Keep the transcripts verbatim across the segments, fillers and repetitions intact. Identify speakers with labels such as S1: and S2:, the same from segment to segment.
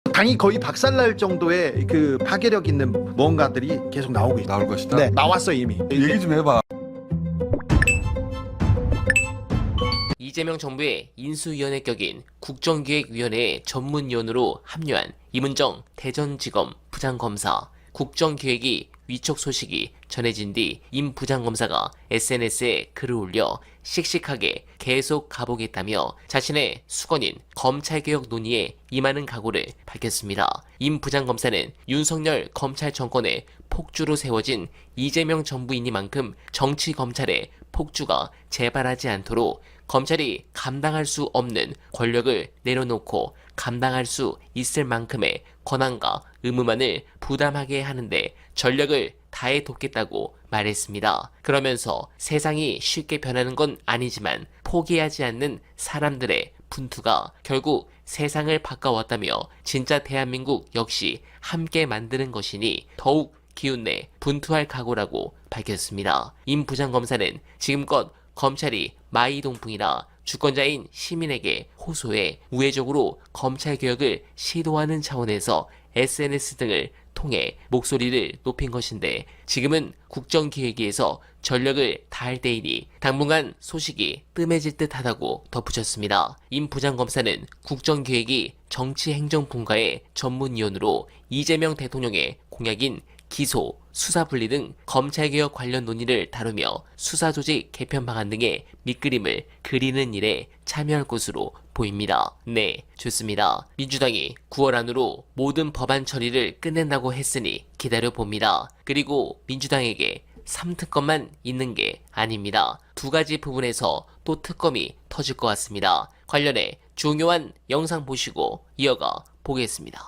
S1: 당이 거의 박살날 정도의 그 파괴력 있는 무언가들이 계속 나오고 있다.
S2: 나올 것이다.
S1: 네, 나왔어 이미.
S2: 얘기 좀 해봐.
S3: 이재명 정부의 인수위원회 격인 국정기획위원회 전문위원으로 합류한 임은정 대전지검 부장검사. 국정기획이 위촉 소식이 전해진 뒤 임 부장검사가 에스엔에스에 글을 올려 씩씩하게 계속 가보겠다며 자신의 수건인 검찰개혁 논의에 임하는 각오를 밝혔습니다. 임 부장검사는 윤석열 검찰 정권의 폭주로 세워진 이재명 정부이니만큼 정치검찰의 폭주가 재발하지 않도록 검찰이 감당할 수 없는 권력을 내려놓고 감당할 수 있을 만큼의 권한과 의무만을 부담하게 하는데 전력을 다해 돕겠다고 말했습니다. 그러면서 세상이 쉽게 변하는 건 아니지만 포기하지 않는 사람들의 분투가 결국 세상을 바꿔왔다며 진짜 대한민국 역시 함께 만드는 것이니 더욱 기운내 분투할 각오라고 밝혔습니다. 임 부장검사는 지금껏 검찰이 마이동풍이라 주권자인 시민에게 호소해 우회적으로 검찰개혁을 시도하는 차원에서 에스엔에스 등을 통해 목소리를 높인 것인데 지금은 국정기획위에서 전력을 다할 때이니 당분간 소식이 뜸해질 듯하다고 덧붙였습니다. 임 부장검사는 국정기획위 정치행정분과의 전문위원으로 이재명 대통령의 공약인 기소, 수사분리 등 검찰개혁 관련 논의를 다루며 수사조직 개편 방안 등의 밑그림을 그리는 일에 참여할 것으로 보입니다. 네, 좋습니다. 민주당이 구월 안으로 모든 법안 처리를 끝낸다고 했으니 기다려봅니다. 그리고 민주당에게 삼 특검만 있는 게 아닙니다. 두 가지 부분에서 또 특검이 터질 것 같습니다. 관련해 중요한 영상 보시고 이어가 보겠습니다.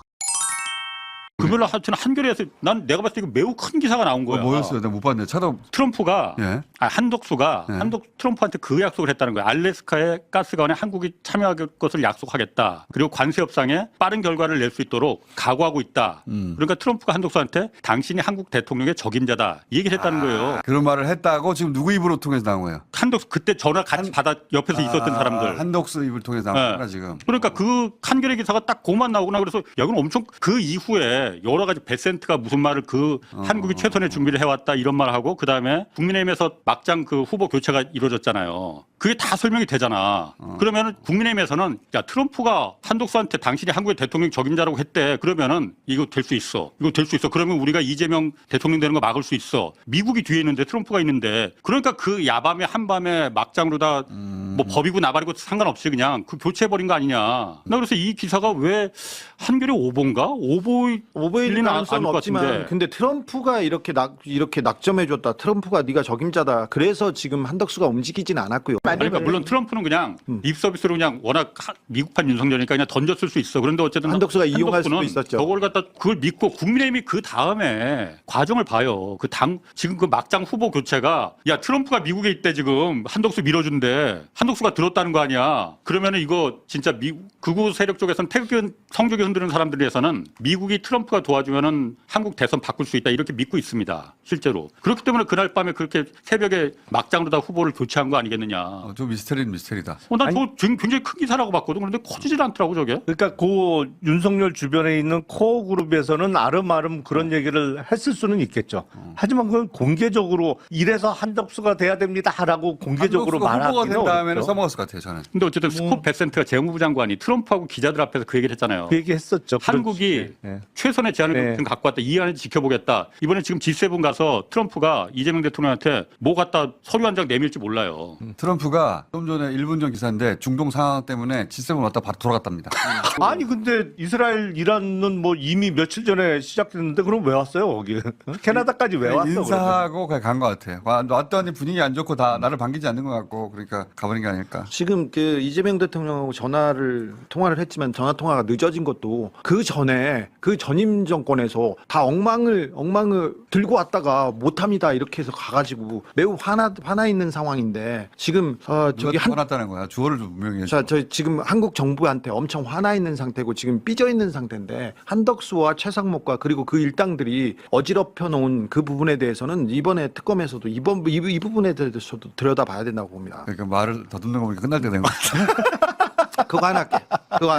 S4: 금요일 하여튼 한겨레에서 난 내가 봤을 때 이거 매우 큰 기사가 나온 거야.
S2: 어, 뭐였어요? 내가 못 봤는데 찾아.
S4: 트럼프가
S2: 예.
S4: 아, 한덕수가
S2: 예.
S4: 한덕 트럼프한테 그 약속을 했다는 거야. 알래스카의 가스관에 한국이 참여할 것을 약속하겠다. 그리고 관세 협상에 빠른 결과를 낼 수 있도록 각오하고 있다.
S2: 음.
S4: 그러니까 트럼프가 한덕수한테 당신이 한국 대통령의 적임자다. 이 얘기를 했다는 거예요.
S2: 그런 말을 했다고 지금 누구 입으로 통해서 나온 거예요?
S4: 한덕수 그때 전화 같이
S2: 한-
S4: 받아 옆에서 있었던
S2: 아,
S4: 사람들.
S2: 한덕수 입을 통해서 나온
S4: 네.
S2: 거구나 지금.
S4: 그러니까 그 한겨레 기사가 딱 그것만 나오구나. 그래서 야, 이건 엄청 그 이후에 여러 가지 베센트가 무슨 말을 그
S2: 어.
S4: 한국이 최선의 준비를 해왔다 이런 말을 하고 그 다음에 국민의힘에서 막장 그 후보 교체가 이루어졌잖아요. 그게 다 설명이 되잖아.
S2: 어.
S4: 그러면은 국민의힘에서는 야 트럼프가 한독수한테 당신이 한국의 대통령 적임자라고 했대. 그러면은 이거 될 수 있어. 이거 될 수 있어. 그러면 우리가 이재명 대통령 되는 거 막을 수 있어. 미국이 뒤에 있는데 트럼프가 있는데 그러니까 그 야밤에 한밤에 막장으로 다 뭐 법이고 나발이고 상관없이 그냥 그 교체해버린 거 아니냐. 나 그래서 이 기사가 왜 한겨레 오보인가? 오보
S1: 오버일
S4: 일리는 안-
S1: 가능성은
S4: 아닐 것
S1: 없지만
S4: 같은데.
S1: 근데 트럼프가 이렇게 낙 이렇게 낙점해줬다. 트럼프가 네가 적임자다. 그래서 지금 한덕수가 움직이진 않았고요.
S4: 그러니까 물론 트럼프는 그냥
S1: 음.
S4: 립 서비스로 그냥 워낙 하- 미국판 윤석열이니까 그냥 던졌을 수 있어. 그런데 어쨌든
S1: 한덕수가 이용할 수도
S4: 한덕수는
S1: 있었죠.
S4: 저걸 갖다 그걸 믿고 국민의힘이 그 다음에 과정을 봐요. 그 당 지금 그 막장 후보 교체가 야 트럼프가 미국에 있대 지금 한덕수 밀어준대. 한덕수가 들었다는 거 아니야. 그러면은 이거 진짜 미 극우 세력 쪽에서는 태극기 성적이 흔드는 사람들에서는 미국이 트럼프가 도와주면은 한국 대선 바꿀 수 있다 이렇게 믿고 있습니다. 실제로. 그렇기 때문에 그날 밤에 그렇게 새벽에 막장으로 다 후보를 교체한 거 아니겠느냐.
S2: 어, 좀 미스터리는 미스터리다.
S4: 어, 난 저 굉장히 큰 기사라고 봤거든. 그런데 커지질 않더라고 저게.
S5: 그러니까 그 윤석열 주변에 있는 코어 그룹에서는 아름아름 그런 얘기를 했을 수는 있겠죠. 하지만 그건 공개적으로 이래서 한덕수가 돼야 됩니다라고 공개적으로
S2: 한덕수가 후보가
S5: 말하기는
S2: 된 다음에는
S5: 어렵죠.
S2: 써먹었을 것 같아요 저는.
S4: 근데 어쨌든 스콧 베센트가 재무부 장관이 트럼프하고 기자들 앞에서 그 얘기를 했잖아요.
S5: 그 얘기 했었죠.
S4: 한국이
S5: 예.
S4: 최선의 제안을
S5: 네.
S4: 좀 갖고 왔다. 이 안에 지켜보겠다. 이번에 지금 지 세븐 가서 트럼프가 이재명 대통령한테 뭐 갖다 서류 한 장 내밀지 몰라요.
S2: 트럼프가 좀 전에 일 분 전 기사인데 중동 상황 때문에 지 세븐 왔다 바로 돌아갔답니다.
S5: 아니 근데 이스라엘 이란은 뭐 이미 며칠 전에 시작됐는데 그럼 왜 왔어요 거기? 캐나다까지 왜 왔어? 그러면?
S2: 인사하고 그냥 간 것 같아요. 와, 왔더니 분위기 안 좋고 다 나를 반기지 않는 것 같고 그러니까 가버린 게 아닐까.
S1: 지금 그 이재명 대통령하고 전화를 통화를 했지만 전화 통화가 늦어진 것도 그 전에 그 전임 정권에서 다 엉망을 엉망을 들고 왔다가 못합니다 이렇게 해서 가가지고 매우 화나 화나 있는 상황인데 지금 어, 저기
S2: 저기
S1: 한
S2: 화났다는 거야. 주어를 좀 분명히 해줘.
S1: 자, 저 지금 한국 정부한테 엄청 화나 있는 상태고 지금 삐져 있는 상태인데 한덕수와 최상목과 그리고 그 일당들이 어지럽혀 놓은 그 부분에 대해서는 이번에 특검에서도 이번 이, 이 부분에 대해서도 들여다봐야 된다고 봅니다.
S2: 그러니까 말을 더듬는 거 보니까 끝날 때 된 것 같아.
S1: 그거 하나 할게. 그거 하나 할게.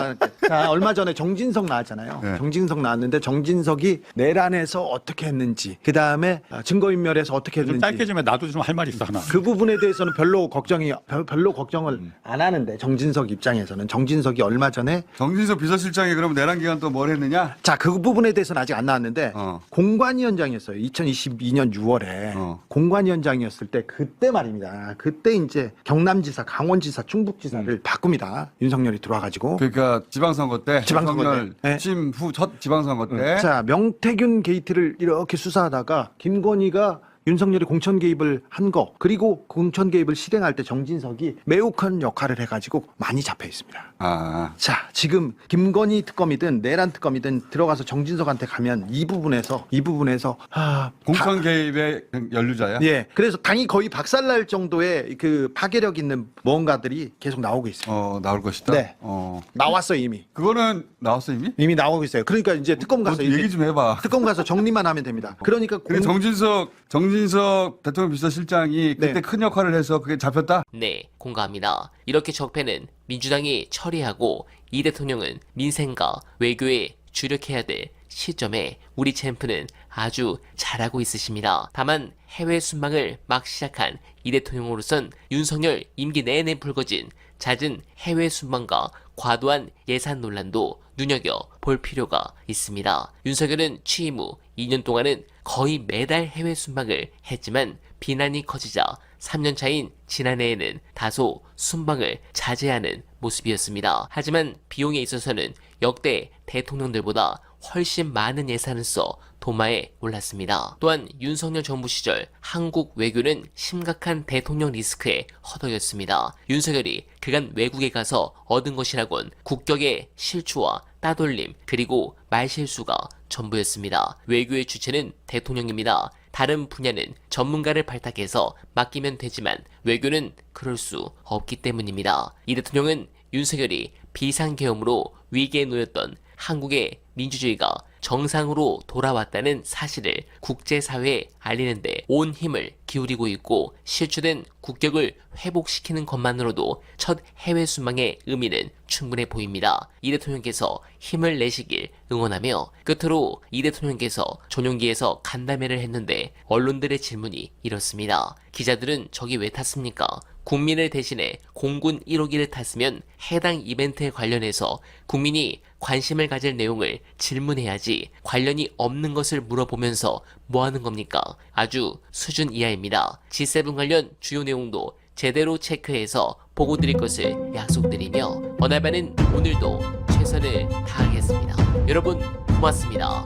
S1: 자, 얼마 전에 정진석 나왔잖아요.
S2: 네.
S1: 정진석 나왔는데 정진석이 내란에서 어떻게 했는지, 그 다음에 증거인멸에서 어떻게
S4: 좀
S1: 했는지.
S4: 짧게 좀 해. 나도 좀 할 말 있어 하나.
S1: 그 부분에 대해서는 별로 걱정이 별- 별로 걱정을 안 하는데 정진석 입장에서는 정진석이 얼마 전에
S2: 정진석 비서실장이 그럼 내란 기간 또 뭘 했느냐?
S1: 자, 그 부분에 대해서는 아직 안 나왔는데
S2: 어.
S1: 공관위원장이었어요. 이천이십이 년 유월에
S2: 어.
S1: 공관위원장이었을 때 그때 말입니다. 그때 이제 경남지사, 강원지사, 충북지사를 바꿉니다. 윤석열이 들어와가지고.
S2: 그러니까 지방선거 때
S1: 지방선거
S2: 윤석열
S1: 때. 네.
S2: 취임 후 첫 지방선거 때
S1: 자, 명태균 게이트를 이렇게 수사하다가 김건희가 윤석열이 공천 개입을 한 거, 그리고 공천 개입을 실행할 때 정진석이 매우 큰 역할을 해가지고 많이 잡혀 있습니다.
S2: 아,
S1: 자, 지금 김건희 특검이든 내란 특검이든 들어가서 정진석한테 가면 이 부분에서 이 부분에서 아,
S2: 공천 개입의 연루자야?
S1: 예, 그래서 당이 거의 박살날 정도의 그 파괴력 있는 무언가들이 계속 나오고 있습니다.
S2: 어, 나올 것이다.
S1: 네.
S2: 어.
S1: 나왔어요 이미.
S2: 그거는 나왔어 이미?
S1: 이미 나오고 있어요. 그러니까 이제 특검 가서
S2: 너
S1: 이제
S2: 얘기 좀 해봐.
S1: 특검 가서 정리만 하면 됩니다. 그러니까
S2: 근데
S1: 공-
S2: 정진석 정진석 대통령 비서실장이 그때
S1: 네.
S2: 큰 역할을 해서 그게 잡혔다.
S3: 네, 공감합니다. 이렇게 적폐는 민주당이 처리하고 이 대통령은 민생과 외교에 주력해야 될 시점에 우리 챔프는 아주 잘하고 있으십니다. 다만 해외 순방을 막 시작한 이 대통령으로선 윤석열 임기 내내 불거진 잦은 해외 순방과 과도한 예산 논란도 눈여겨볼 필요가 있습니다. 윤석열은 취임 후 이 년 동안은 거의 매달 해외 순방을 했지만 비난이 커지자 삼 년 차인 지난해에는 다소 순방을 자제하는 모습이었습니다. 하지만 비용에 있어서는 역대 대통령들보다 훨씬 많은 예산을 써 도마에 올랐습니다. 또한 윤석열 정부 시절 한국 외교는 심각한 대통령 리스크에 허덕였습니다. 윤석열이 그간 외국에 가서 얻은 것이라곤 국격의 실추와 따돌림 그리고 말실수가 전부였습니다. 외교의 주체는 대통령입니다. 다른 분야는 전문가를 발탁해서 맡기면 되지만 외교는 그럴 수 없기 때문입니다. 이 대통령은 윤석열이 비상계엄으로 위기에 놓였던 한국의 민주주의가 정상으로 돌아왔다는 사실을 국제사회에 알리는데 온 힘을 기울이고 있고 실추된 국격을 회복시키는 것만으로도 첫 해외 순방의 의미는 충분해 보입니다. 이 대통령께서 힘을 내시길 응원하며 끝으로 이 대통령께서 전용기에서 간담회를 했는데 언론들의 질문이 이렇습니다. 기자들은 저기 왜 탔습니까? 국민을 대신해 공군 일호기를 탔으면 해당 이벤트에 관련해서 국민이 관심을 가질 내용을 질문해야지 관련이 없는 것을 물어보면서 뭐 하는 겁니까? 아주 수준 이하입니다. 지 세븐 관련 주요 내용도 제대로 체크해서 보고 드릴 것을 약속드리며 어날바는 오늘도 최선을 다하겠습니다. 여러분 고맙습니다.